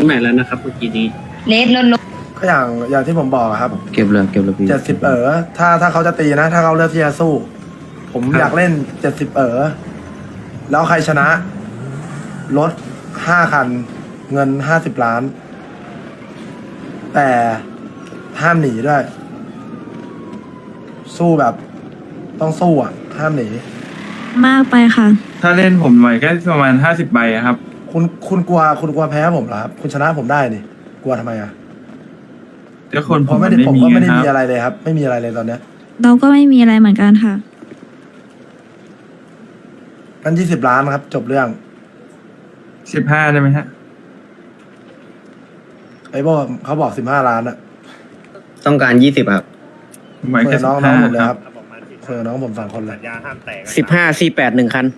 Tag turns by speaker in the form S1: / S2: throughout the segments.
S1: งไหนแล้วนะครับเมื่อกี้นี้
S2: เลสลด
S3: ก็อย่างที่ผมบอกอะครับ
S4: เก็บเลยพี่
S3: 70ถ้าเขาจะตีนะ ถ้าเขาเลือกที่จะสู้ ผมอยากเล่น70แล้วใครชนะรถ5 คัน เงิน50 ล้าน แต่ห้ามหนีด้วย สู้แบบต้องสู้อ่ะ ห้ามหนี
S5: มากไปค่ะ
S6: ถ้าเล่นผมไหวแค่ประมาณ50 ใบอะครับ
S3: คุณกลัวแพ้ผมเหรอครับ คุณชนะผมได้นี่กลัวทำไมอ่ะ
S6: เจ้าคน
S3: เพ
S6: ผม
S3: ราะ
S6: มัน
S3: ผมก็ไม่ได้
S6: ค
S3: มี
S6: รับ
S3: อะไรเลยครับ ไม่มีอะไรเลยตอนเนี้ย
S5: เราก็ไม่มีอะไรเหมือนกันค่ะ
S3: งั้น20 ล้านครับ จบเรื่อง
S6: 15ได้ไหมฮะ
S3: ไอ้บอกเขาบอก15 ล้านอะ
S4: ต้องการ20ครับ
S6: ผมไหว
S3: เปิ
S6: แค่
S3: ดน้องผมเลย
S6: 15
S3: ค
S6: ค
S3: รั
S6: รั
S3: บบ เปิดน้องผม2 คนเลย
S7: สัญญาห้ามแตก
S4: 15 48 1 คัน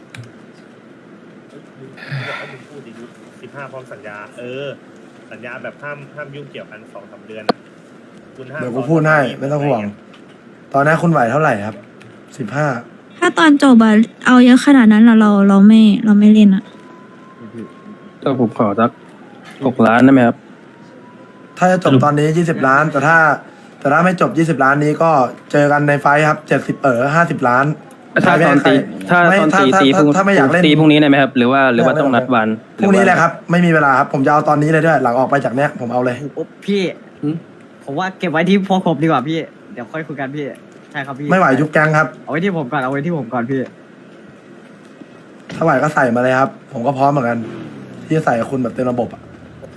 S7: 15พร้อมสัญญา สัญญาแบบห้ามยุ่งเกี่ยวกัน2-3 เดือนอะคุณห้าม
S3: เดี๋ยวกูพูดให้ไม่ต้องห่วง ตอนนี้คุณไหวเท่าไหร่ครับ15
S5: ถ้าตอนจบอะเอาเยอะขนาดนั้นเราไม่เล่นอะ
S4: ก็ผมขอสัก6 ล้านได้ไหมครับ
S3: ถ้าจะจบตอนนี้20 ล้าน แต่ถ้าไม่จบ20 ล้านนี้ก็เจอกันในไฟท์ครับ70 50 ล้าน
S4: ถ้าตอนตีถ้า
S3: ไม่
S4: ตอน
S3: ถ้า
S4: ตี
S3: ถ้า
S4: พรุ่ง
S3: ถ้าไม่อยากเล่น
S4: ตีพรุ่งนี้ได้ไหมครับ หรือว่าต้องนัดวัน
S3: พรุ่งนี้เลยครับ ไม่มีเวลาครับผมจะเอาตอนนี้เลยด้วย หลังออกไปจากเนี้ยผมเอาเลย
S8: พี่ผมว่าเก็บไว้ที่พวกผมดีกว่าพี่เดี๋ยวค่อยคุยกันพี่ใช่ครับพี่
S3: ไม่ไหวยุบแก๊งครับ
S8: เอาไว้ที่ผมก่อนเอาไว้ที่ผมก่อนพี่
S3: ถ้าไหวก็ใส่มาเลยครับ ผมก็พร้อมเหมือนกัน ที่จะใส่กับคุณแบบเต็มระบบอะ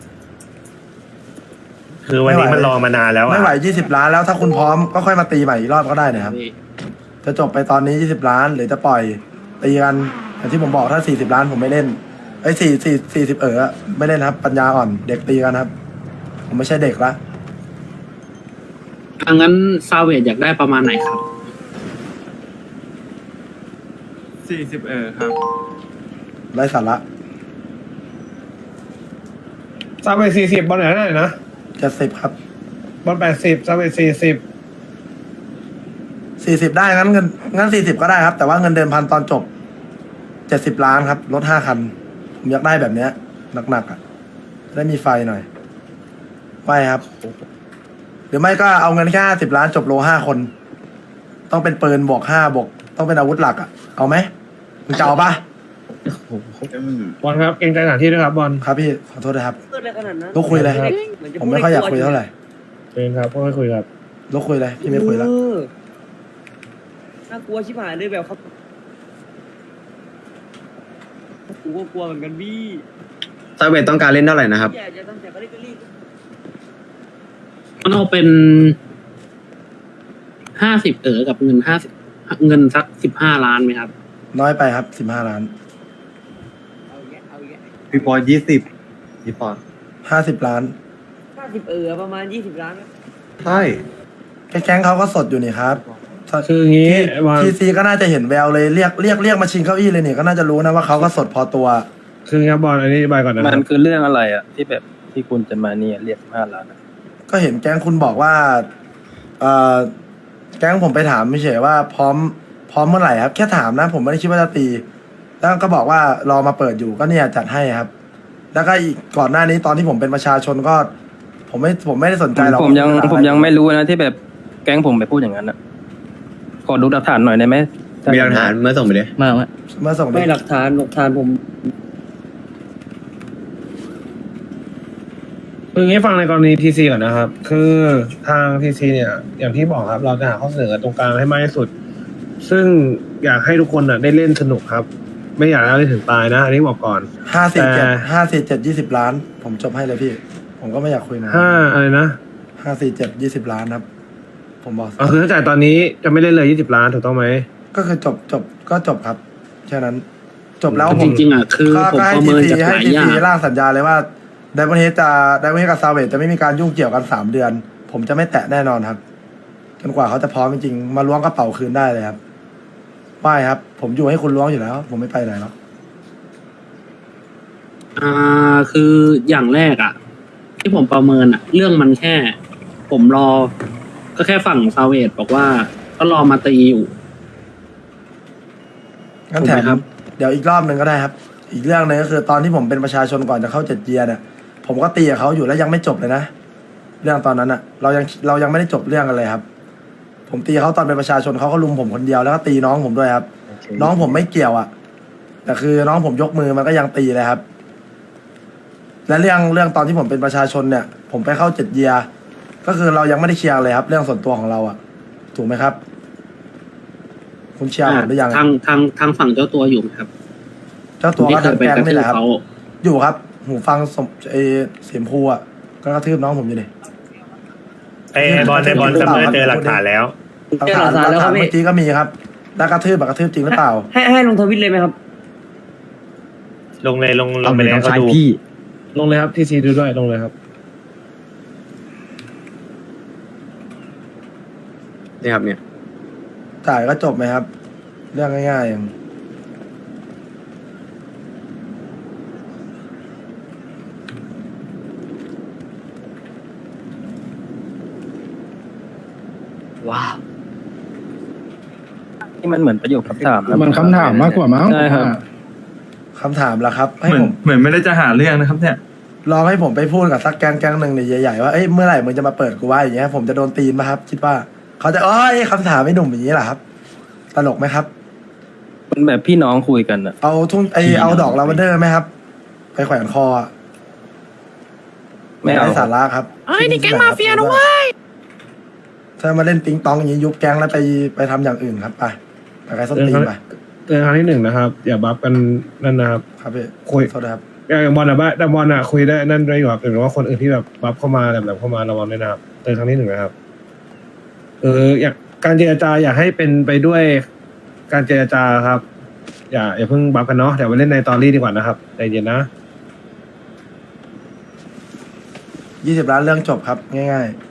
S7: คือวันนี้มันรอมานานแล้วอะ
S3: ไม่ไหว20 ล้านแล้วถ้าคุณพร้อมก็ค่อยมาตีใหม่อีกรอบก็ได้นะครับ จะจบไปตอนนี้20 ล้านหรือจะปล่อยตีกันอย่างที่ผมบอกถ้า40 ล้านผมไม่เล่นไอ้40ไม่เล่นครับ ปัญญาอ่อนเด็กตีกันครับ ผมไม่ใช่เด็กละ
S1: งั้นซาเวดอยากได้ประมาณไหนครับ
S6: 40ครับ
S3: ไร้สาระ
S9: ซาเวท40บอลไหนนะ
S3: 70ครับ
S9: บอล80ซาเวท
S3: 40ได้งั้น40ก็ได้ครับ แต่ว่าเงินเดือนพันตอนจบ70 ล้านครับรถ5 คัน ผมอยากได้แบบเนี้ยหนักๆอ่ะจะได้มีไฟหน่อยไม่ครับ หรือไม่ก็เอาเงินแค่50 ล้านจบโล5 คน ต้องเป็นปืนบวก5บวกต้องเป็นอาวุธหลักอ่ะเอาไหมมึงจะเอาปะ
S9: บอลครับเกรงใจสถานที่ด้วยครับบอล
S3: ครับพี่ขอโทษนะครับลุกคุยเลยผมไม่ค่อยอยากคุยเท่าไหร่
S9: เชิญครับค่อยคุยครับ
S3: ลุกคุยเลยพี่ไม่คุยแล้ว
S8: น่ากลัวชิบหายเลยแบบครับกูก็กลัวเหมือนกันพี่
S4: ซาเวตต้องการเล่นเท่าไหร่นะครับ
S8: อยากจะตั้งแต่ก็รีบ
S1: มันเอาเป็น50กับเงินเงินสัก15 ล้านไหมครับ
S3: น้อยไปครับ15 ล้าน
S8: เอาแยะ
S4: พี่ปอย20พี่ปอย
S3: 50 ล้าน
S8: 50ประมาณ20 ล้าน
S4: ใช่
S3: แก๊งเขาก็สดอยู่นี่ครับ
S9: คืออย่างงี้บอล
S3: ทีซีก็น่าจะเห็นแววเลยเรียกมาชิงเก้าอี้เลยเนี่ยก็น่าจะรู้นะว่าเขาก็สดพอตัว
S9: คือครับบอลอันนี้อธิบายก่อนนะค
S4: มั
S9: รั
S4: น
S9: บ
S4: คือเรื่องอะไรอ่ะที่แบบที่คุณจะมาเนี่ยเรียก5 ล้านอะ
S3: ก็เห็นแก๊งคุณบอกว่าแก๊งผมไปถามไม่เฉยว่าพร้อมเมื่อไหร่ครับแค่ถามนะ ผมไม่ได้คิดว่าจะตี แล้วก็บอกว่ารอมาเปิดอยู่ก็เนี่ยจัดให้ครับ แล้วก็อีกก่อนหน้านี้ตอนที่ผมเป็นประชาชนก็ ผมไม่ได้สนใจหรอก
S4: ผมยังไม่รู้นะที่แบบแก๊งผมไปพูดอย่างนั้นอ่ะขอดูหลักฐานหน่อยได้ไหม
S10: มีหลักฐานเมื่อส่งไปดิ
S4: มา
S3: เมื่อส่ง
S8: ไม่หลักฐานผม
S9: คืออย่างงี้ฟังในกรณีทีซีก่อนนะครับ คือทางทีซีเนี่ย อย่างที่บอกครับ เราจะหาข้อเสนอตรงกลางให้มากที่สุด ซึ่งอยากให้ทุกคนได้เล่นสนุกครับ ไม่อยากให้เล่นถึงตายนะ อันนี้บอกก่อน
S3: 547 20 ล้าน ผมจบให้เลยพี่ ผมก็ไม่อยากคุยนะ
S9: อะไรนะ
S3: 547 20 ล้านครับ ผมบอก
S9: คือถ้าจ่ายตอนนี้จะไม่เล่นเลย20 ล้านถูกต้องไหม
S3: ก็คือก็จบครับแค่นั้น จบแล้วผม
S1: จริงๆอ่ะคือผมประเมินจากห
S3: ให้
S1: ลาย
S3: ที
S1: อย่า
S3: ซี
S1: ง
S3: ร่างสัญญาเลยว่าไดมอนเฮดกับซาเวตจะไม่มีการยุ่งเกี่ยวกัน3 เดือน ผมจะไม่แตะแน่นอนครับจนกว่าเขาจะพร้อมจริงๆมาล้วงกระเป๋าคืนได้เลยครับไม่ครับ ผมอยู่ให้คุณล้วงอยู่แล้ว ผมไม่ไปไหนหรอก
S1: คืออย่างแรกอ่ะ ที่ผมประเมินอ่ะ เรื่องมันแค่ ผมรอ ก็แค่ฝั่งซาเวดบอกว่าก็รอมาตีอยู่
S3: งั้นแถ
S1: ถูกไหม
S3: ม
S1: ครับ
S3: เดี๋ยวอีกรอบหนึ่งก็ได้ครับ อีกเรื่องหนึงก็คือตอนที่ผมเป็นประชาชนก่อนจะเข้า7 เกียร์เนี่ย ผผมก็ตีกับเขาอยู่แล้วยังไม่จบเลยนะเรื่องตอนนั้นอะเรายังไม่ได้จบเรื่องกันเลยครับ ผมตีเขาตอนเป็นประชาชนเขาก็ลุมผมคนเดียวแล้วก็ตีน้องผมด้วยครับ น้องผมไม่เกี่ยวอะแต่คือน้องผมยกมือมันก็ยังตีเลยครับ และเรื่องตอนที่ผมเป็นประชาชนเนี่ย ผมไปเข้า7 เยียร์ก็คือเรายังไม่ได้เคลียร์เลยครับ เรื่องส่วนตัวของเราอะถูกไหมครับ คุณเชียร์ผมหรือยัง
S1: ทางฝั่งเจ้าตัวอยู่ไหมครับ
S3: เจ้าตัวก็ทำแกงนี่แหละครับ
S1: เขา
S3: อยู่ครับ หูฟังเสียมพูอ่ะก็กระทืบน้องผมอยู่เลย
S7: ไอ้บอลซัมเมอร์เจอหลักฐานแล้ว
S3: หลักฐานเมื่อกี้ก็มีครับแล้วกระทืบแบบกระทืบจริงหรือเปล่า
S8: ให้ลงทวิตเลยไหมครับ
S7: ลงไปแล้วเขาดู
S9: ลงเลยครับทีซีดูด้วยลงเลยครับ
S10: นี่ครับเนี่ย
S3: จ่ายก็จบไหมครับ เรื่องง่ายๆอย่าง
S4: นี่มันเหมือนประโยคคำถามนะ
S9: มันคำถามมากกว่ามั้ง
S4: ใช่ครับ
S3: คำถามละครับ ให้
S6: เหมือน
S3: ผม
S6: เหมือนไม่ได้จะหาเรื่องนะครับเนี่ย
S3: ลองให้ผมไปพูดกับสักแก๊งหนึ่งเนี่ยใหญ่ๆว่าเอ้ยเมื่อไหร่มึงจะมาเปิดกูว่าอย่างเงี้ยผมจะโดนตีนไหมครับ คิดว่าเขาจะคำถามไม่หนุ่มอย่างนี้เหรอครับตลกไหมครับ
S4: มันแบบพี่น้องคุยกันอะ
S3: เอาดอกลาเวนเดอร์ไหมครับ ไปแขวนคออะ
S4: ไม่เอา
S3: ด้สาระครับนี่แก๊งมาเฟียนะเว้ยถ้ามาเล่นปิงปองอย่างนี้ยุบแก๊งแล้วไปทำอย่างอื่นครับไปใครส้นตีนไป
S9: เตือนครั้งที่1นะครับ อย่าบัฟกันนั่นนะครับ
S3: ครับพี่
S9: คุย
S3: โทษนะครับ
S9: อย่างบอลอะบ้าแต่บอลอะคุยได้นั่นได้อยู่ครับหรือว่าคนอื่นที่แบบบัฟเข้ามาแบบเข้ามาระวังด้วยนะครับเตือนครั้งที่1นะครับอยากการเจรจาอยากให้เป็นไปด้วยการเจรจาครับ อย่าเพิ่งบัฟกันเนาะเดี๋ยวไปเล่นในตอรี่ดีกว่านะครับใจเย็นนะ
S3: 20 ล้านเรื่องจบครับง่ายๆ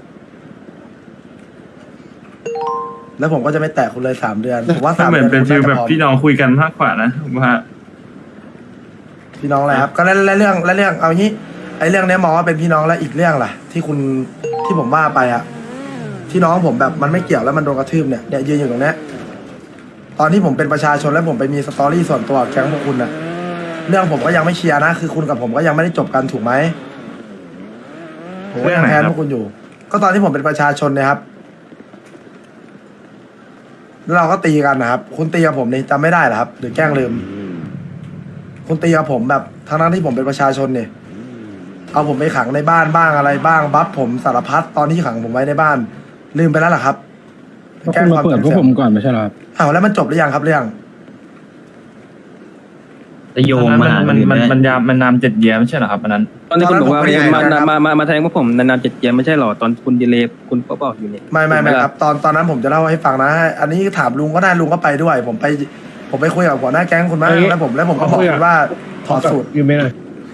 S3: แล้วผมก็จะไม่แตะคุณเลย3 เดือนผมว่า
S6: ถ้า
S3: 3
S6: เหมื
S3: เดื
S6: อน
S3: อน
S6: เป็น
S3: คุณ
S6: ฟิล
S3: น่าจะ
S6: แบบ
S3: พร้อม
S6: พี่น้องคุยกันมากกว่านะผมว่า
S3: พี่น้องอะไรครับก็และเรื่องเอางี้ไอ้เรื่องเนี้ยมองว่าเป็นพี่น้องแล้วอีกเรื่องล่ะที่ผมว่าไปอะที่น้องผมแบบมันไม่เกี่ยวแล้วมันโดนกระทืบเนี่ยยืนอยู่ตรงเนี้ยตอนที่ผมเป็นประชาชนแล้วผมไปมีสตอรี่ส่วนตัวกับแก๊งพวกคุณอะเรื่องผมก็ยังไม่เคลียร์นะคือคุณกับผมก็ยังไม่ได้จบกันถูกไหมผมก็ยังแทนพวกคุณอยู่ ก็ตอนที่ผมเป็นประชาชนเนี่ยครับแล้วเราก็ตีกันนะครับคุณตีกับผมนี่จำไม่ได้เหรอครับหรือแกล้งลืม คุณตีกับผมแบบทั้งที่ผมเป็นประชาชนเนี่ยเอาผมไปขังในบ้านบ้างอะไรบ้างบัฟผมสารพัดตอนที่ขังผมไว้ในบ้าน ลืมไปแล้วเหรอครับ
S9: ก็คุณมาเปิดพวกผมก่อนไม่ใช่หรอครับ
S3: อ้าวแล้วมันจบหรือยังครับเรื่อง
S10: จะโยงมา
S6: มันนำ7 เยียร์ไม่ใช่เหรอครับอันนั้น
S4: ตอนที่คุณบอกว่า
S3: ตอนนั้นผมไม่ได้นะครับ
S4: มาแทงพวกผมนานๆ7 เดือนไม่ใช่หรอตอนคุณดีเลย์คุณก็บอกอยู่นี่
S3: ไม่ครับตอนนั้นผมจะเล่าให้ฟังนะอันนี้ถามลุงก็ได้ลุงก็ไปด้วย ผมไปคุยกับหัวหน้าแก๊งคุณมาแล้วผมก็บอกคุณว่าถอดสูตร
S9: อยู่ไม่ได้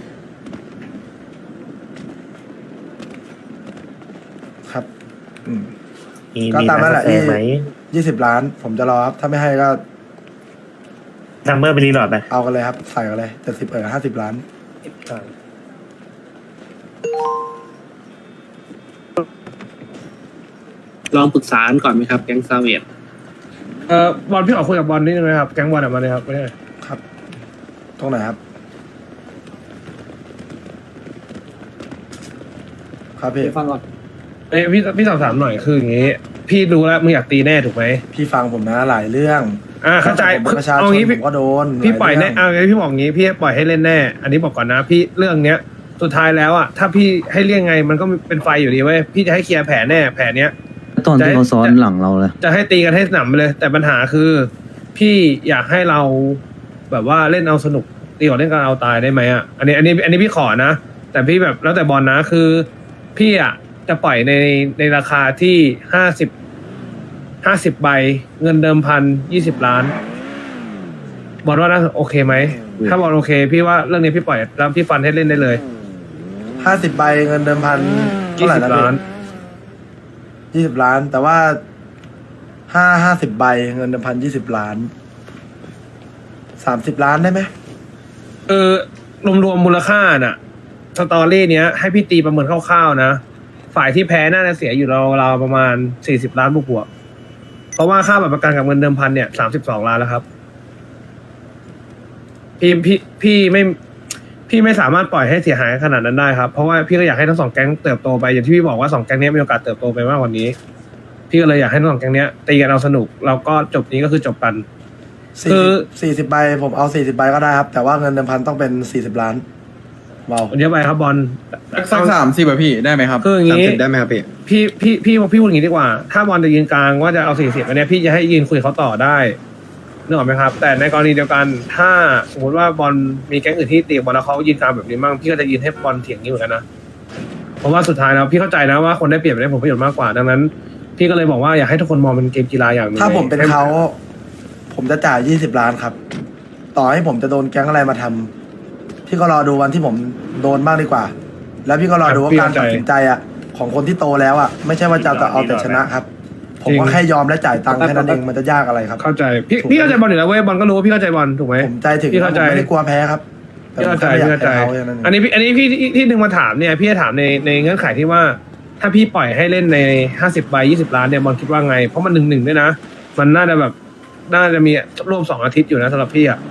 S3: ครับ
S7: มี
S3: ก็ตามนั้นแหละ
S7: กาแฟไหม
S3: 20 ล้าน ผมจะรอครับถ้าไม่ให้ก็
S7: ซัมเมอร์ไปรีโหลดไป
S3: เอากันเลยครับใส่กันเลย70 50 ล้าน
S1: ลองปรึกษากันก่อนไหมครับแก๊งซาเวด
S9: บอลพี่ขอคุยกับบอลนิดนึงนะครับแก๊งบอลมาเลยครับไม่ได้
S3: ครับตรงไหนครับ ครับพี่
S8: ฟังก่อน
S9: พี่สอบถามหน่อยคืออย่างงี้ พี่รู้แล้วมึงอยากตีแน่ถูกไหม
S3: พี่ฟังผมนะหลายเรื่อง
S9: เข้าใจ
S3: ผมเป็นประชาช
S9: เอา
S3: น
S9: งี้
S3: ผมก็โดน
S9: พี่ปล่อยแน่
S3: หาเรื่อง
S9: พี่บอกงี้พี่ปล่อยให้เล่นแน่ อันนี้บอกก่อนนะ พี่เรื่องเนี้ยสุดท้ายแล้วอ่ะถ้าพี่ให้เลี่ยงไงมันก็เป็นไฟอยู่ดีเว้ยพี่จะให้เคลียร์แผลแน่แผลเนี้ย
S10: ตอนที่เขาซ้อนหลังเราเลย
S9: จะให้ตีกันให้สนามไปเลย แต่ปัญหาคือ พี่อยากให้เราแบบว่าเล่นเอาสนุกตีกว่าเล่นกันเอาตายได้ไหมอ่ะอันนี้พี่ขอนะ แต่พี่แบบแล้วแต่บอลนะคือ พี่อ่ะจะปล่อยในราคาที่50 ใบเงินเดิมพัน20 ล้านบอลว่าน่าโอเคไหมถ้าบอลโอเค พี่ว่าเรื่องนี้พี่ปล่อยแล้วพี่ฟันให้เล่นได้เลย
S3: 50 ใบเงินเดิมพันเท่าไหร่นะ
S9: 20 ล้าน
S3: 20 ล้าน แต่ว่า50 ใบเงินเดิมพัน20 ล้าน30 ล้านได้ไหม
S9: รวมมูลค่าน่ะสตอรี่เนี้ยให้พี่ตีประเมินคร่าวๆนะฝ่ายที่แพ้น่าจะเสียอยู่ราวๆประมาณ40 ล้านบวกๆเพราะว่าค่าบัตรประกันกับเงินเดิมพันเนี่ย32 ล้านแล้วครับพี่พี่ไม่สามารถปล่อยให้เสียหายขนาดนั้นได้ครับเพราะว่าพี่ก็อยากให้ทั้งสองแก๊งเติบโตไปอย่างที่พี่บอกว่าสองแก๊งนี้มีโอกาสเติบโตไปมากกว่านี้พี่ก็เลยอยากให้ทั้งสองแก๊งนี้ตีกันเอาสนุกแล้วก็จบนี้ก็คือจบกัน คือ
S3: 40 ใบผมเอา 40 ใบก็ได้ครับ แต่ว่าเงินเดิมพันต้องเป็น 40 ล้านเบา
S9: เยอะไปครับบอล
S10: สัก30ป่ะพี่ได้ไหมครับ
S9: คืออย่างงี้
S10: 30ได้ไหมครับพี่
S9: พี่พูดอย่างนี้ดีกว่า ถ้าบอลจะยืนกลางว่าจะเอา40อันเนี้ยพี่จะให้ยืนคุยเขาต่อได้นึกออกไหมครับ แต่ในกรณีเดียวกันถ้าสมมติว่าบอลมีแก๊งอื่นที่ตีบอลแล้วเขายืนกลางแบบนี้มั่งพี่ก็จะยืนให้บอลเถียงนี้เหมือนกันนะเพราะว่าสุดท้ายแล้วพี่เข้าใจนะว่าคนได้เปรียบได้ผลประโยชน์มากกว่าดังนั้น พี่ก็เลยบอกว่าอยากให้ทุกคนมองเป็นเกมกีฬาอย่างหนึง
S3: ถ้าผมเป็นเขาผมจะจ่าย 20 ล้านครับ ต่อให้ผมจะโดนแก๊งอะไรมาทำพี่ก็รอดูวันที่ผมโดนบ้างดีกว่า แล้วพี่ก็รอดูว่าการตัดสินใจอ่ะของคนที่โตแล้วอ่ะไม่ใช่ว่าจะเอาแต่ชนะครับ ผมก็แค่ยอมและจ่ายตังค์แค่นั้นเองมันจะยากอะไรครับ
S9: เข้าใจพี่เข้าใจบอลอยู่แล้วเว้ยบอลก็รู้ว่าพี่เข้าใจบอลถูกไหม
S3: ผมใจถึง
S9: พี่เข้าใจ
S3: ผมไม่ได้กลัวแพ้ครับแต่
S9: พี่
S3: ผม
S9: เข้าใจ
S3: แค่ไม่อยาก
S9: พี่เข้าใจ
S3: แพ้เขาแค่นั้นเอง
S9: อันนี้พี่ที่ดึงมาถามเนี่ยพี่จะถามในเงื่อนไขที่ว่า ถ้าพี่ปล่อยให้เล่นใน50 ใบ 20 ล้านเนี่ยบอลคิดว่าไงเพราะมัน1-1ด้วยนะมันน่าจะแบบน่าจะมีร่วม2 อาทิตย์อยู่นะสำหรับพี่อ่ะ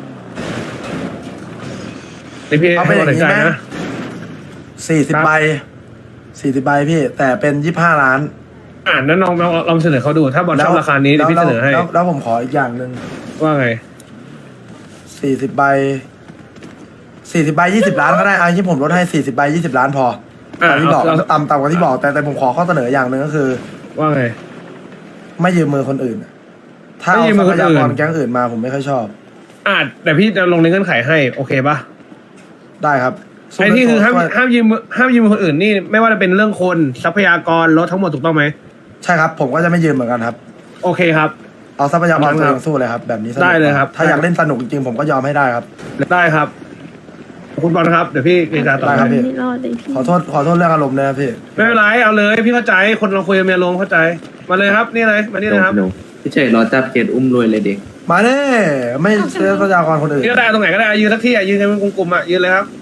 S9: นี่พี่
S3: เอาไป
S9: ให้
S3: อ
S9: ตัด
S3: ย่าง
S9: สิน
S3: นี้
S9: ใจ
S3: ไหม
S9: นะ
S3: 40 ใบ 40 ใบพี่ แต่เป็น25 ล้าน
S9: นั้นลองเสนอเขาดูถ้าบอลชอบราคานี้เดี๋ยวพี่เสนอให้
S3: แล้วผมขออีกอย่างหนึ่ง
S9: ว่าไง
S3: 40 ใบ 40 ใบ 20 ล้านก็ได้เอาที่ผมลดให้ 40 ใบ 20 ล้านพอตามที่บอกต่ำกว่าที่บอกแต่ผมขอข้อเสนออย่างหนึ่งก็คือ
S9: ว่าไง
S3: ไม่ยืมมือคนอื่น ถ้า
S9: ไม่
S3: เอา
S9: ยืม
S3: ท
S9: มื
S3: รั
S9: อคน
S3: พ
S9: อื่น
S3: ยากรแก๊งอื่นมาผมไม่ค่อยชอบ
S9: แต่พี่จะลงในเงื่อนไขให้โอเคปะ
S3: ได้ครับ
S9: ไอ้ที่คือห้าม
S3: ช่วย
S9: ห้ามยืมคนอื่นนี่ไม่ว่าจะเป็นเรื่องคนทรัพยากรรถทั้งหมดถูกต้องไหม
S3: ใช่ครับ ผมก็จะไม่ยืมเหมือนกันครับ
S9: โอเคครับ
S3: เอาทรัพยากร
S9: ครับ
S3: ตัวเองสู้เลยครับ แบบนี้สนุก
S9: ได้เลยครับ
S3: ถ้าอยากเล่นสนุกจริงๆผมก็ยอมให้ได้ครับ
S9: ได้ครับขอบคุณบอลครับเดี๋ยวพี่เจรจาต่อ
S3: ได้ครับพี่
S5: ไม่รอดเลยพี่
S3: ขอโทษเรื่องอารมณ์นะครับพี่
S9: ไม่เป็นไรเอาเลยพี่เข้าใจคนเราคุยกันมีอารมณ์เข้าใจมาเลยครับนี่เลยมานี่เลยครับ
S10: พี่เฉยรอจับเกตอุ้มรวยเลยเด็ก
S3: มาเน่ไม่เชื่อทรัพยากรคนอื่น
S9: ยืนก็ได้ตรงไหนก็ได้ยืนสักที่ยืนกันเป็นกลุ่มๆยืนเลยครับ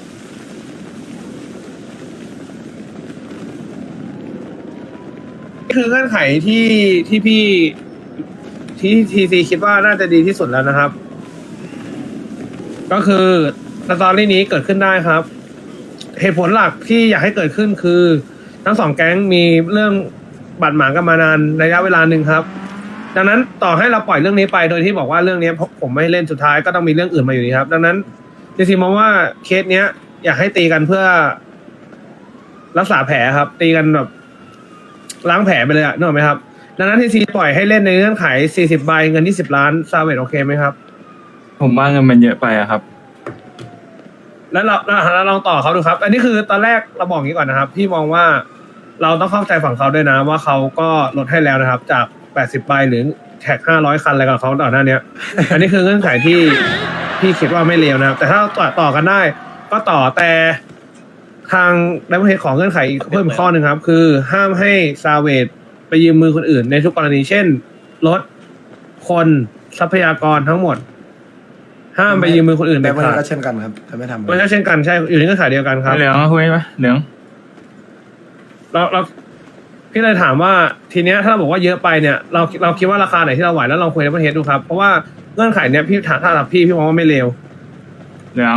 S9: นี่คือเงื่อนไขที่พี่ที่ทีซีคิดว่าน่าจะดีที่สุดแล้วนะครับ ก็คือสตอรี่นี้เกิดขึ้นได้ครับ เหตุผลหลักที่อยากให้เกิดขึ้นคือ ทั้งสองแก๊งมีเรื่องบาดหมางกันมานานระยะเวลาหนึ่งครับ ดังนั้นต่อให้เราปล่อยเรื่องนี้ไปโดยที่บอกว่าเรื่องนี้ผมไม่เล่นสุดท้ายก็ต้องมีเรื่องอื่นมาอยู่ดีครับ ดังนั้นทีซีมองว่าเคสเนี้ย อยากให้ตีกันเพื่อรักษาแผลครับ ตีกันแบบล้างแผลไปเลยอะนึกออกไหมครับ ดังนั้นทีซีปล่อยให้เล่นในเงื่อนไข40 ใบเงิน20 ล้านซาเวตโอเคไหมครับ
S6: ผมว่าเงินมันเยอะไปอะครับ
S9: แล้วเราลองต่อเขาดูครับ อันนี้คือตอนแรกเราบอกอย่างนี้ก่อนนะครับ พี่มองว่าเราต้องเข้าใจฝั่งเขาด้วยนะว่าเขาก็ลดให้แล้วนะครับ จาก80 ใบหรือแท็ก500 คันอะไรกับเขาต่อหน้าเนี้ย อันนี้คือเงื่อนไขที่พี่คิดว่าไม่เลวนะครับ แต่ถ้าต่อกันได้ ก็ต่อแต่ทางดับเบิลเฮดของเงื่อนไขอีกเพิ่มข้อหนึ่งครับ คือห้ามให้ซาเวตไปยืมมือคนอื่นในทุกกรณีเช่นรถคนทรัพยากรทั้งหมด ห้ามไปยืมมือคนอื่น
S3: แต่
S9: เด็ด
S3: วัน
S9: ขา
S3: นี้
S9: ด
S3: ก็เช่นกันครับจะไม่ทำ
S9: มันก็เช่นกันใช่อยู่ในเงื่อนไขเดียวกันครับ
S6: เหลืองคุยไหมเหลือง
S9: เราพี่เลยถามว่าทีเนี้ยถ้าเราบอกว่าเยอะไปเนี่ยเราคิดว่าราคาไหนที่เราไหวแล้วลองคุยในประเทศดูครับเพราะว่าเงื่อนไขเนี้ยพี่ถามถ้าพี่มองว่าไม่เลว
S6: เหลือง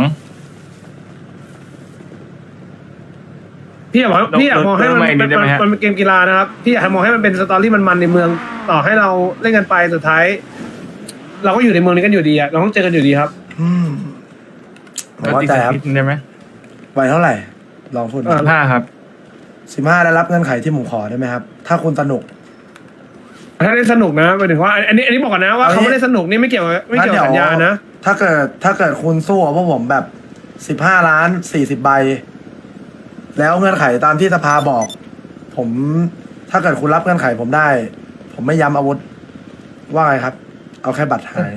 S9: พี่อยากมองให้มันเป็นเกมกีฬานะครับพี่อยากมองให้มันเป็นสตอรี่มันในเมืองต่อให้เราเล่นกันไปสุดท้าย เราก็อยู่ในเมืองนี้กันอยู่ดีอะเราต้องเจอกันอยู่ดีครับ
S3: ผมเข้าใจครับ
S6: นิดได้ไหม
S3: ไหวเท่าไหร่ ลองพูด
S6: 15ครับ
S3: 15ได้รับเงื่อนไขที่ผมขอได้ไหมครับ ถ้าคุณสนุก
S9: ถ้าเล่นสนุกนะหมายถึงว่าอันนี้บอกก่อนนะว่าเขาไม่ได้สนุกนี่ไม่เกี่ยวกับสัญญานะ
S3: ถ้าเกิดคุณสู้กับพวกผมแบบ15 ล้าน40 ใบ แล้วเงื่อนไขตามที่สภาบอก ผมถ้าเกิดคุณรับเงื่อนไขผมได้ ผมไม่ย้ำอาวุธ ว่าไงครับ เอาแค่บัตรหาย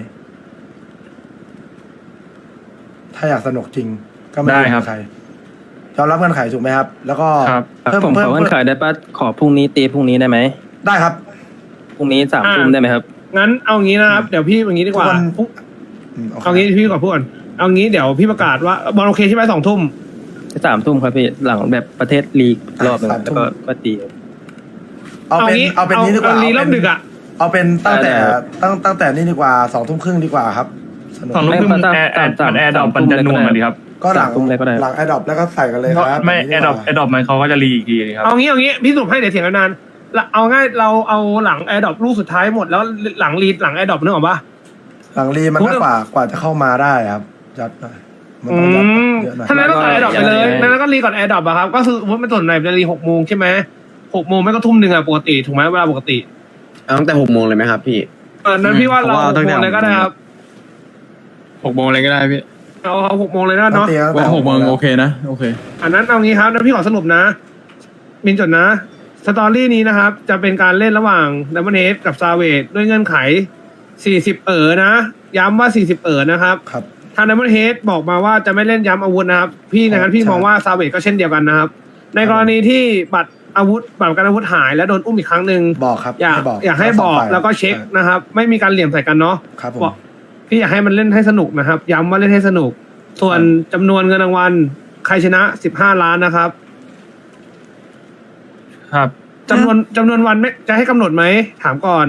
S3: ถ้าอยากสนุกจริง ก็ไม่
S6: ได้ครับ
S3: ใครยอมรับเงื่อนไขถูกไหมครับ แล้วก็
S6: ครับ
S4: ผมขอเงื่อนไขได้ปะขอพรุ่งนี้ตีพรุ่งนี้ได้ไหม
S3: ได้ครับ
S4: พรุ่งนี้3 ทุ่มได้ไหมครับ
S9: งั้นเอางี้นะครับเดี๋ยวพี่อย่างนี้ดีกว่า
S3: ทุกวัน โอเค
S9: เอางี้พี่ก่อนพูดก่อนเอางี้เดี๋ยวพี่ประกาศว่าบอลโอเคใช่ไหม2 ทุ่ม
S4: 3 ทุ่มครับพี่หลังแบบประเทศลีกรอบหนึงแล้วก็ตี
S3: เอาเป็นนี้ดีกว่า
S9: เอาลีรอบดึกอ่ะ
S3: เอาเป็นตั้งแต่
S4: ได้ครับ
S3: ตั้งแต่นี่ดีกว่า2 ทุ่มครึ่งดีกว่าครับสนุก
S6: 2 ทุ่มครึ่งมันแอร์ดอกมันจะนัวมาดีครับ
S3: ก็หลัง
S4: 3 ทุ่มเลยก็ได้
S3: หลังแอดดอปแล้วก็ใส่กันเลยครับ
S6: ไม่
S3: แบบ
S6: แอ
S3: นี้
S6: ดดอป
S3: กว่า
S6: แอดดอปมันเขาก็จะรีอีกทีครับ
S9: เอางี้พี่สุให้เดี๋ยวเถียงกันนานเอาง่ายเราเอาหลังแอร์ดรอปลูกสุดท้ายหมดแล้วหลังรีดหลังแอร์ดรอปนึกออกปะ
S3: หลังรีมันก็กว่าจะเข้ามาได้ครับยัดหน่อยมันต้องยัดเยอะหน่อย
S9: ถ้านั้นก็ใส่แอร์ดรอปไปเลยนั้นก็รีก่อนแอร์ดรอปอะครับก็คือว่าไม่ส่วนไหนจะรี6 โมงใช่ไหม6 โมงไม่ก็ทุ่ม 1อะปกติถูกไหมเวลาปกติ
S10: เอาตั้งแต่6 โมงเลยไหมครับพี่
S9: นั้นพี่ว่าเรา6 โมงเลยก็ได้ครับ
S6: 6 โมงอะไรก็ได้พี่
S9: เอา6 โมงเลยนะเนาะ
S6: ว่า6 โมงโอเคนะโอเค
S9: อันนั้นเอางี้ครับนั้นพี่ขอสรุปนะมินจดนะสตอรี่นี้นะครับจะเป็นการเล่นระหว่างดัมเบิลเฮดกับซาเวดด้วยเงื่อนไข40นะย้ำว่า40นะครับ
S3: ครับ
S9: ทางดัมเบิลเฮดบอกมาว่าจะไม่เล่นย้ำอาวุธนะครับพี่นะครับพี่มองว่าซาเวดก็เช่นเดียวกันนะครับในกรณีที่บัตรอาวุธบัตรประกันอาวุธหายและโดนอุ้มอีกครั้งหนึ่ง
S3: บอกครับ
S9: อยากให้บอกแล้วก็เช็คนะครับไม่มีการเหลี่ยมใส่กันเนาะ
S3: ครับผม
S9: บอกพี่อยากให้มันเล่นให้สนุกนะครับย้ำว่าเล่นให้สนุก ส่วนจำนวนเงินรางวัลใครชนะ15 ล้านนะครับ
S6: ครับ
S9: จำนวนวันไม่จะให้กำหนดไหมถามก่อน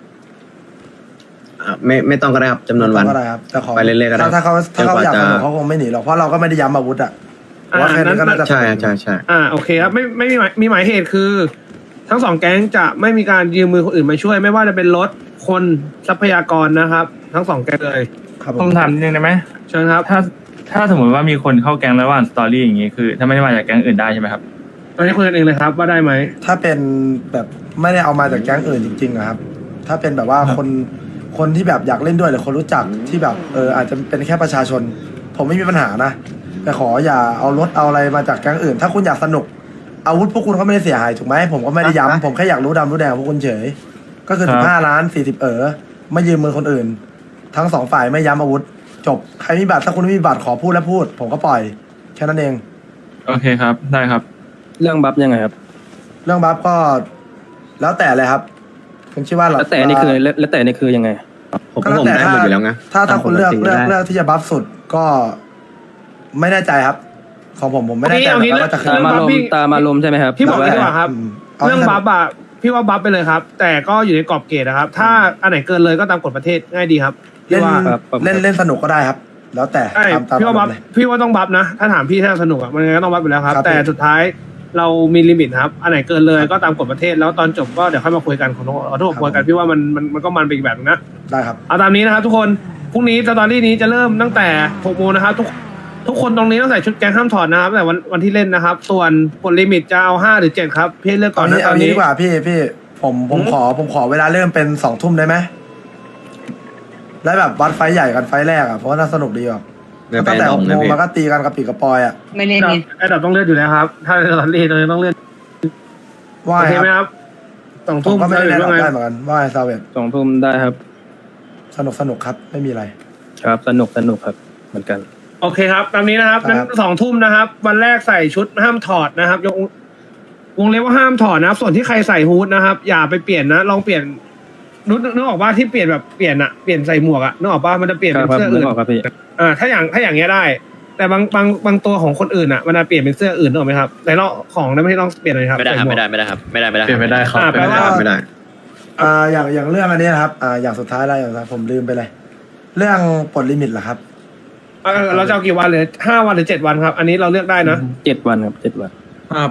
S10: ไม่ต้องก็ได้ครับจำนวนวัน
S3: ก็ได้ครับแต่ขอ
S10: ไปเรื่อยๆก็ได้
S3: ถ้าเขาอยาก
S10: จนกว่าจะ
S3: สนุกเขาคงไม่หนีหรอกเพราะเราก็ไม่ได้ย้ำอาวุธอ่ะว่าแค่นี้ก็น่าจะ
S10: ใช่ใช่
S9: โอเคครับไม่มีหมายเหตุคือ ทั้งสองแก๊งจะไม่มีการยืมมือคนอื่นมาช่วย ไม่ว่าจะเป็นรถคนทรัพยากรนะครับ ทั้งสองแก๊งเลย
S3: ครับผ
S6: ผม มถามนิดนึงได้ไหม
S9: เชิญครับ
S6: ถ้าสมมติว่ามีคนเข้าแก๊งระหว่างสตอรี่อย่างงี้คือ ถ้าไม่ได้มาจากแก๊งอื่นได้ใช่ไหมครับ
S9: ตอนนี้คุยกันเองเลยครับว่าได้ไหม
S3: ถ้าเป็นแบบไม่ได้เอามาจากแก๊งอื่นจริงๆอะครับ ถ้าเป็นแบบว่าคนที่แบบอยากเล่นด้วยหรือคนรู้จักที่แบบอาจจะเป็นแค่ประชาชน ผมไม่มีปัญหานะแต่ขออย่าเอารถเอาอะไรมาจากแก๊งอื่น ถ้าคุณอยากสนุกอาวุธพวกคุณก็ไม่ได้เสียหายถูกไหมผมก็ไม่ได้ย้ำผมแค่อยากรู้ดำรู้แดงพวกคุณเฉยก็คือ
S6: ครับ
S3: 15 ล้าน40ไม่ยืมมือคนอื่น ทั้งสองฝ่ายไม่ย้ำอาวุธ จบใครมีบัตรถ้าคุณไม่มีบัตรขอพูดแล้วพูด ผมก็ปล่อยแค่นั้นเอง
S6: โอเคครับได้ครับ
S4: เรื่องบัฟยังไงครับ
S3: เรื่องบัฟก็แล้วแต่เลยครับคุณคิดว่าเรา
S4: แล้วแต่นี่คือแล้วแต่นี่คือยังไง
S10: ผม
S3: ก็แล้ว
S10: ผม
S3: แต่
S10: ได้หมดอยู่แล้วไง
S3: ถ้าคุณเลือก
S10: ตามปกติได้
S3: เลือกที่จะบัฟสุดก็ไม่แน่ใจครับ ของผมไม่แน่ใจ
S9: เอางี้
S3: เหมือนกันว่าจะคืน
S9: เรื่องบัฟพี่
S4: ตามอารมณ์ใช่ไหมครับ
S9: พี่บอกเลยดีกว่าครับ
S3: เอา
S9: เรื่อง
S3: ให้
S9: บัฟอะพี่ว่าบัฟไปเลยครับ แต่ก็อยู่ในกรอบเกณฑ์นะครับ ถ้าอันไหนเกินเลยก็ตามกฎประเทศง่ายดีครับ
S3: เล่
S9: พี่
S3: น
S9: ว่า
S4: ครับ
S3: เล่นสนุกก็ได้ครับ แล้วแต่
S9: ใช่
S3: ตาม
S9: พี่ว่าบัฟ
S3: เลย
S9: พี่ว่าต้องบัฟนะ ถ้าถามพี่ถ้าสนุกอะมันยังไงก็ต้องบัฟอยู่แล้วครับ
S3: ครับ
S9: แต่สุดท้ายเรามีลิมิตครับ อันไหนเกินเลยก็ตามกฎประเทศแล้วตอนจบก็เดี๋ยวค่อยมาคุยกันขอโทษคุยกันพี่ว่ามันก็มันไปอีกแบบนึงนะ
S3: ได้ครับ
S9: เอาตามนี้นะครับทุกคนพรุ่งนี้สตอรี่นี้จะเริ่มตั้งแต่6 โมงนะครับทุกคนตรงนี้ต้องใส่ชุดแก๊งห้ามถอดนะครับแต่วันที่เล่นนะครับ ส่วนกฎลิมิตจะเอา5 หรือ 7ครับพี่เลือกก่
S3: ต
S9: อ
S3: อน น
S9: นะ
S3: นี้
S9: ต
S3: เอา
S9: อน
S3: งี้
S9: นี้
S3: ดีกว่าพี่ผมขอเวลาเริ่มเป็น2 ทุ่มได้ไหมแล้วแบบวัดไฟใหญ่กันไฟแรกอ่ะเพราะว่าน่าสนุกดีอ่ะ
S10: เดี๋ยวไป
S3: ตั้งแต่
S10: ดอม
S3: 6
S10: นะ
S3: โมง
S10: พี่
S3: มันก็ตีกันกับปีกกระปอยอ่ะ
S8: ไม่เล่นนี่
S9: ไอ้ดับต้องเลื่อนอยู่แล้วครับ ถ้าสตอรี่ตรงนี้ต้องเลื่อน
S3: ว่า
S9: โอ
S3: ไง
S9: เคไหม
S3: ค
S9: ครับ รับสอง
S3: ผ
S9: ทุ่
S3: ม
S9: ม
S3: ก็ไม่ได้
S9: ห
S3: แนะ
S9: รือว่าไง
S3: นำได้เหมือนกันว่าไงซาเวต
S4: 2 ทุ่มได้ครับ
S3: สนุกครับไม่มีอะไร
S4: ครับสนุกครับเหมือนกัน
S9: โอเคครับตามนี้นะครับนั้น
S3: ครับ
S9: 2 ทุ่มนะครับ วันแรกใส่ชุดห้ามถอดนะครับยกวงเล็บว่าห้ามถอดนะครับ ส่วนที่ใครใส่ฮู้ดนะครับ อย่าไปเปลี่ยนนะลองเปลี่ยนนึกออกว่าที่เปลี่ยนแบบเปลี่ยนใส่หมวกอะนึกออกว่ามันจะเปลี่ยน
S4: ครั
S9: เป็
S4: บ
S9: น
S4: ครับ
S9: เสื้อ
S4: นึ
S9: อื่
S4: ก
S9: น
S4: ออกครับพี่
S9: ถ้าอย่างเงี้ยได้ แต่บางตัวของคนอื่นอะมันจะเปลี่ยนเป็นเสื้ออื่นนึกออกไหมครับในรอบของนั้นไม่ต้องเปลี่ยนเลยครับ
S2: ไม่ได้ครับ
S9: ใส่หวก
S2: ไม่ได้ครับไม่ได้
S6: เปลี่ยนไม่ได้ครับ
S9: แปลว่า
S10: ไม่ได้
S3: อย่างเรื่องอันนี้นะครับอย่างสุดท้ายแล้วอย่างสุดท้ายผมลืมไปเลย เรื่องปลดลิมิตเหรอครับ
S9: เราจะเอากี่วันเลย5 วันหรือ7 วันครับ อันนี้เราเลือกได้นะ
S4: 7 วันครับ7 วัน
S6: ไป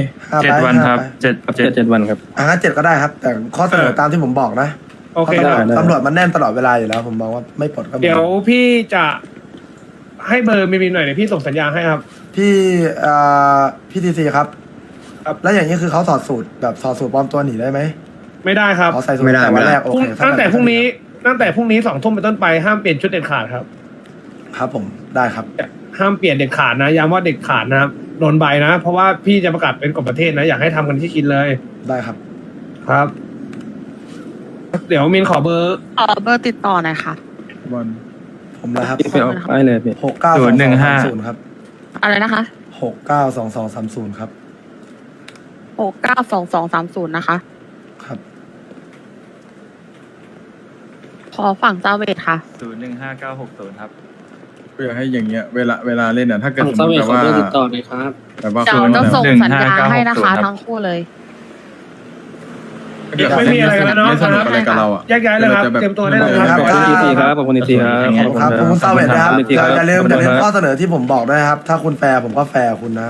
S3: 5
S6: 7 วันครับ
S3: 5
S4: 7 วันครับ
S3: งั้น7ก็ได้ครับ แต่ข้อเสนอตามที่ผมบอกนะ
S9: โอเค
S3: พราะ
S4: ได้
S3: ตำรวจมันแน่นตลอดเวลาอยู่แล้ว ผมมองว่าไม่ปลดก็มี
S9: เดี๋ยวพี่จะให้เบอร์มีหน่อยเดี๋ยวพี่ส่งสัญญาณให้ครับ
S3: พี่ทีซีครับ
S9: ครับ
S3: แล้วอย่างนี้คือเขาถอดสูตรแบบถอดสูตรปลอมตัวหนีได้ไหม
S9: ไม่ได้ครับ
S3: เขาใส่สูตร
S10: ไม่ได้
S3: แต่วันแรกโอเค
S9: ตั้งแต่พรุ่งนี้2 ทุ่มเป็นต้นไปห้ามเปลี่ยนชุดเด็ดขาดครับ
S3: ครับผมได้ครับ
S9: ห้ามเปลี่ยนเด็ดขาดนะย้ำว่าเด็ดขาดนะครับโดนใบนะ เพราะว่าพี่จะประกาศเป็นกฎประเทศนะอยากให้ทำกันที่คิดเลย
S3: ได้ครับ
S9: ครับ เดี๋ยวมินขอเบอร์
S5: เบอร์ติดต่อหน่อยค่ะ
S3: ผมนะครับ
S4: พี่ไปเอาได้เลยพี่
S3: 692230ครับ
S5: อะไรนะคะ
S3: 692230ครับ
S5: 692230นะคะ
S3: ครับ
S5: ขอฝั่งซาเวทค่ะ
S6: 015960ครับ
S10: อยากให้อย่างเงี้ยเวลาเล่นอ่ะถ้าเกิด
S1: ฝั่ง
S10: สม
S1: ซาม เว
S10: ติ
S1: ท
S10: แบบ
S1: ขอ
S10: ว่า
S1: เบอร์ติดต่อหน่อยครับ
S10: แบบว่า
S5: เดี๋ยวจะส่งสัญญาให้นะคะ
S6: 15960
S5: ทั้งคู่เลย
S9: ไม่มีอะไรกันแล้วเนาะ
S10: ไม่สนุกอะไรกับเราอ่ะ
S9: แยกย้ายเลยครับเตรียมตัวได้เลยครับ
S4: ขอบคุณทีซีครับขอบคุณทีซีครับ
S3: ขอบคุณครับขอบคุณซาเวตนะครับ
S4: ขอบคุณทีครับ
S3: อย่าลืมข้อเสนอที่ผมบอกด้วยครับ ถ้าคุณแฟร์ผมก็แฟร์คุณนะครับ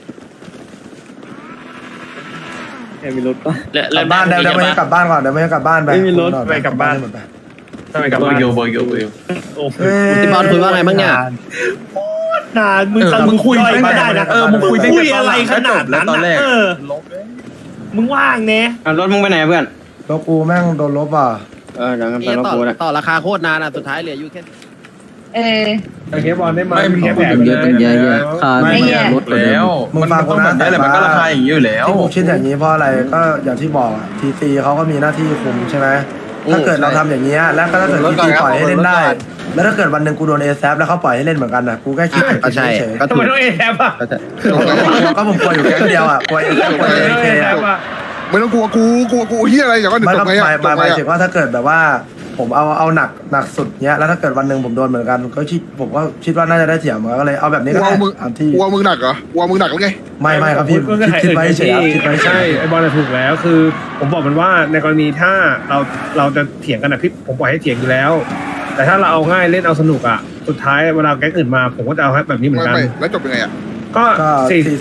S3: กลับบ้านเดี๋ยวไม่ให้กลับบ้านก่อนเดี๋ยวไม่ให้กลับบ้านไป
S7: ไม่มีรถไปกลับบ้าน
S3: หมดไป
S7: ทำไมกลับบ้านโบโยโอ้โห
S10: ที่บอลคุยว่าไงบ้างเนี่ย
S7: นานมึงคุยไม่ได้นะ
S3: มึงคุย
S7: คุยอะไรขนาดนั้นนะมึงว่างเน่
S8: รถมึงไปไหนเพื่อน
S3: แล้วกูแม่งโดนลบอ่ะ
S8: เดี๋ยวงั้นไปรถกูนะต่อราคาโคตรนานอ่ะสุดท้ายเหลืออยู่แค่
S9: โอเคบอลได้มา
S10: ไม่
S9: มีแค่แผล
S10: เยอะเป็นเยอะ
S3: ไม่
S10: ๆลดแล้ว
S3: มึงฟังกู
S10: ต้อง
S3: นะ
S10: แบบนี้แหละมันก็ราคาอย่างนี้อยู่แล้ว
S3: ที่ผมคิดอย่างนี้เพราะอะไรก็อย่างที่บอกอะทีซีเขาก็มีหน้าที่คุมใช่ไหมถ้าเกิดเราทำอย่างนี้ยแล้วก็ถ้าเกิดทีซีปล่อยให้เล่นได้ แล้วถ้าเกิดวันหนึ่งกูโดนเอแซแล้วเขาปล่อยให้เล่นเหมือนกันนะกูแค่คิด
S10: ใช่
S3: เฉย
S10: ก็
S9: ทำ
S10: ถู
S9: ไม
S10: ก
S9: ต้องเอแทบอ่ะ
S3: ก็ผมกลัวอยู่แค่เดียวอ่ะกลัวเอแซกลัวเอเค
S9: อ่ะ
S2: ไม่ต้องกลัวกูเฮียอะไรอย่างนั้น
S3: ไม่
S2: จ
S3: ก็
S2: บไง
S3: หมายถึงว่าถ้าเกิดแบบว่า ผมเอาหนักสุดเนี้ยแล้วถ้าเกิดวันหนึ่งผมโดนเหมือนกันก็ผมก็คิดว่าน่าจะได้เสียเหมือนกันก็เลยเอาแบบนี้ก็ได้อันที่
S2: กลัวมึงหนักเหรอกลัวมึงหนักแล้วไง
S3: ไม่ครับพี่คิดไว้เฉยคิดไว้เฉ
S9: ใช่
S3: ย
S9: ไอบอลถูกแล้วคือ ผมบอกมันว่าในกรณีถ้าเราจะเถียงกันนะพี่ผมปล่อยให้เถียงอยู่แล้ว แต่ถ้าเราเอาง่ายเล่นเอาสนุกอ่ะสุดท้ายเวลาแก๊งอื่นมาผมก็จะเอาแบบนี้เหมือนกัน
S2: ไม่แล้วจบยังไงอ่ะ
S9: ก็
S3: ก็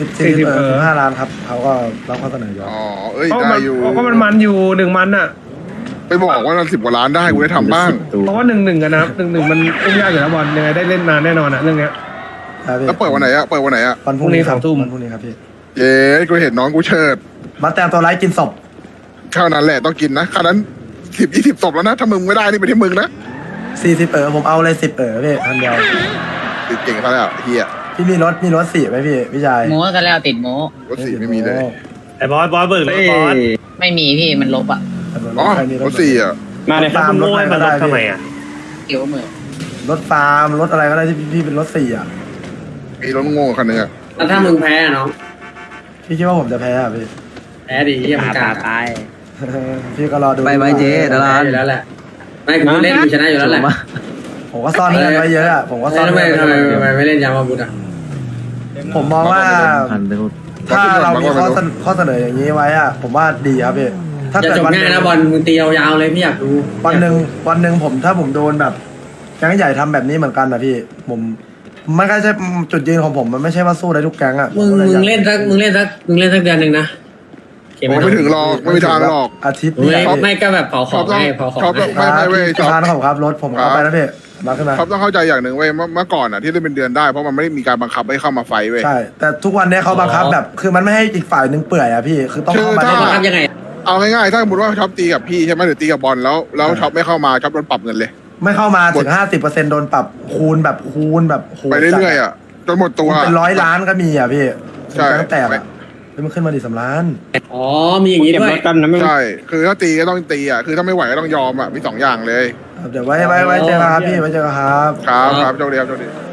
S9: 40
S3: 5 ล้านครับเขาก็รับข้อเสนอยอม
S2: อ๋อเอ้ย
S9: เพราะ
S2: ได้
S9: มัน
S2: อยู่
S9: ก็มันอยู่1 มันอ่ะ
S2: ไปบอกว่า10 กว่าล้านได้กูได้ทำบ้าง
S9: เพราะว่า1-1กันนะครับ1-1มันอุ้มยากอยู่แล้วบอลยังไงได้เล่นนานแน่นอนอ่ะเรื่องเนี้ย
S2: แล้วเปิดวันไหนอ่ะ
S3: วันพรุ่งนี้
S9: พรุ่งนี้ 2 ทุ่ม
S3: วันพรุ่งนี้ครับพี่
S2: เย้กูเห็นน้องกูเชิด
S3: มาแต่งตัวไร้กินศพ
S2: เท่านั้นแหละต้องกินนะขนาดนั้น10-20 ศพแล้วนะถ้ามึงไม่ได้นี่เป็นที่มึงนะ
S3: 40ผมเอาเลย10พี่คันเดียว
S2: ติดเก่งเขาแล้วเฮีย
S3: พี่มีรถ4ไหมพี่ชาย
S11: โม้กันแล้วติดโม้
S2: รถ4ไม่มีเลย
S7: ไอ้บอสเบิกรถบอส
S11: ไม่มีพี่มันลบอ่ะ
S2: อ๋อรถ4อ่ะ
S3: มาเลยครับ
S7: มึงโง่ให้มันลบทำไมอ่ะ
S11: เกี่ยวมือ
S3: รถฟาร์มรถอะไรก็ได้ที่พี่เป็นรถ4อ่ะ
S2: มีรถโง่คันนึงอ่ะ
S8: แล้วถ้ามึงแพ้น้อง
S3: พี่คิดว่าผมจะแพ้อ่ะพี่
S8: แพ้ดีที่มันกาตาย
S3: พี่ก็รอดู
S10: ไปเจ๊ดารา
S8: อยู่แล้วแหละไม่กูเล่นกูชนะอยู่แล้วแหละ
S3: ผมก็ซ่อนเงินไว้เยอะอ่ะผมก็ซ่อน
S8: ทำไม
S3: เงินไว้เยอะ
S8: ไม่เล่นยามาบุตรอ่ะ
S3: ผมมองว่า ถ้าเรามีข้อเสนออย่างนี้ไว้อ่ะผมว่าดีครับพี่ถ้า
S8: อย่า
S3: เกิด
S8: จบ
S3: วัน
S8: ง่ายนะบอลมึงตียาวๆเลยพี่อยากดู
S3: วันหนึ่งผมถ้าผมโดนแบบแก๊งใหญ่ทำแบบนี้เหมือนกันนะพี่ผมมันก็ใช่จุดยืนของผมมันไม่ใช่ว่าสู้ได้ทุกแก๊งอ่ะ
S8: มึงเล่นสักเดือนหนึ่งนะ
S2: ไม่ถึงหรอกไม่มีทางหรอก
S3: อาทิตย์
S8: ไม่ก็แบบเผาของให้เผาของ
S2: ชอบ
S8: ให้
S2: ไม่เว้ยชอบ
S3: ทานของครับรถผมเอาไปแล้วพี่มาขึ้นมา
S2: ชอบต้องเข้าใจอย่างหนึ่งเว้ยเมื่อก่อนอ่ะที่ได้เป็นเดือนได้เพราะมันไม่ได้มีการบังคับให้เข้ามาไฟเว้ย
S3: ใช่แต่ทุกวันนี้เขาบังคับแบบคือมันไม่ให้อีกฝ่ายหนึ่งเปื่อยอ่ะพี่คือต้องเข้ามา
S2: คือ
S3: ได้
S2: ถ้า
S8: ทำยังไง
S2: เอาง่ายๆถ้าสมมติว่าช็อปตีกับพี่ใช่ไหมหรือตีกับบอลแล้วช็อปไม่เข้ามาช็อปโดนปรับเงินเลย
S3: ไม่เข้ามาถึง50%โดนปรับคูณแบบโห
S2: ไปเรื่อยๆอ่ะจนหมดตัว
S3: เป็น100 ล้านก็มีอ่ะพี่
S2: ใช่
S3: แตกอ่ะมันขึ้นมาดิ3 ล้าน
S8: อ๋อมีอย่างนี้ด้วย
S2: ใช่คือถ้าตีก็ต้องตีอ่ะคือถ้าไม่ไหวก็ต้องยอมอ่ะมี2 อย่างเลย
S3: เดี๋ยวไว้เจอกันครับพี่ไว้เจอกันครับ
S2: ครับโชคดีครับโชคดี